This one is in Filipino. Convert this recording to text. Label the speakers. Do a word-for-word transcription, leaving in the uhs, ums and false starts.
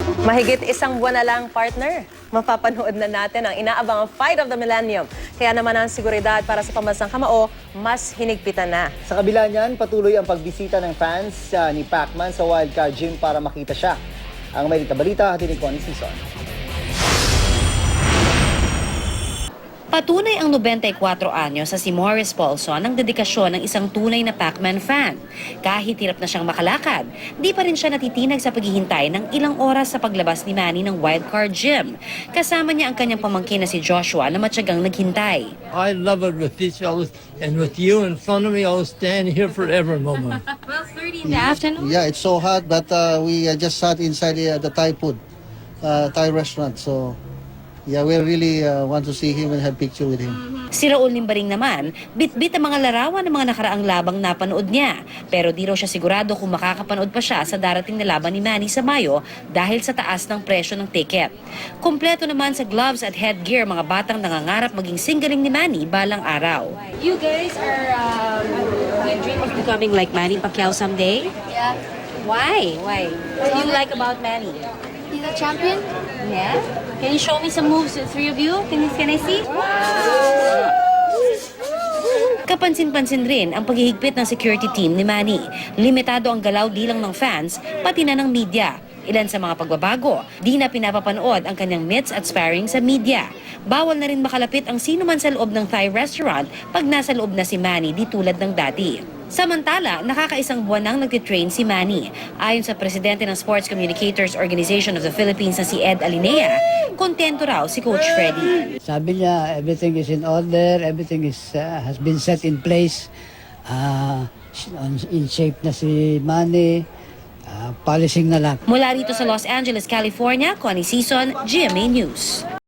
Speaker 1: Mahigit isang buwan na lang, partner. Mapapanood na natin ang inaabangang Fight of the Millennium. Kaya naman ang seguridad para sa pambansang kamao, mas hinigpitan na.
Speaker 2: Sa kabila niyan, patuloy ang pagbisita ng fans uh, ni Pacman sa Wildcard Gym para makita siya. Ang may balita, hatid ni Connie Sison.
Speaker 3: Patunay ang ninety-four anyos sa si Morris Paulson ng dedikasyon ng isang tunay na Pacman fan. Kahit hirap na siyang makalakad, di pa rin siya natitinag sa paghihintay ng ilang oras sa paglabas ni Manny ng Wildcard Gym. Kasama niya ang kanyang pamangkin na si Joshua na matyagang naghintay.
Speaker 4: I love it with each other and with you in front of me. I'll stand here forever, Mama.
Speaker 3: twelve thirty in the afternoon?
Speaker 5: Yeah, it's so hot, but uh, we uh, just sat inside the, the Thai food, uh, Thai restaurant. So, yeah, we really uh, want to see him and have picture with him.
Speaker 3: Si Raul Limbaring naman, bit-bit ang mga larawan ng mga nakaraang labang napanood niya. Pero di raw siya sigurado kung makakapanood pa siya sa darating na laban ni Manny sa Mayo dahil sa taas ng presyo ng ticket. Kompleto naman sa gloves at headgear mga batang nangangarap maging singgaling ni Manny balang araw.
Speaker 6: You guys are, um, you dream of becoming like Manny Pacquiao someday?
Speaker 7: Yeah,
Speaker 6: Why? Why? What do you like about Manny?
Speaker 7: he's a champion.
Speaker 6: Yeah? Can you show me some moves, the three of you? Can, can I see?
Speaker 3: Kapansin-pansin rin ang paghihigpit ng security team ni Manny. Limitado ang galaw di lang ng fans, pati na ng media. Ilan sa mga pagbabago, di na pinapapanood ang kanyang meets at sparring sa media. Bawal na rin makalapit ang sino man sa loob ng Thai restaurant pag nasa loob na si Manny di tulad ng dati. Samantala, nakakaisang buwan nang nagtitrain si Manny. Ayon sa presidente ng Sports Communicators Organization of the Philippines na si Ed Alinea, kontento raw si Coach Freddy.
Speaker 8: Sabi niya, everything is in order, everything is uh, has been set in place. Uh, in shape na si Manny, uh, polishing na lang.
Speaker 3: Mula rito sa Los Angeles, California, Connie Sison, G M A News.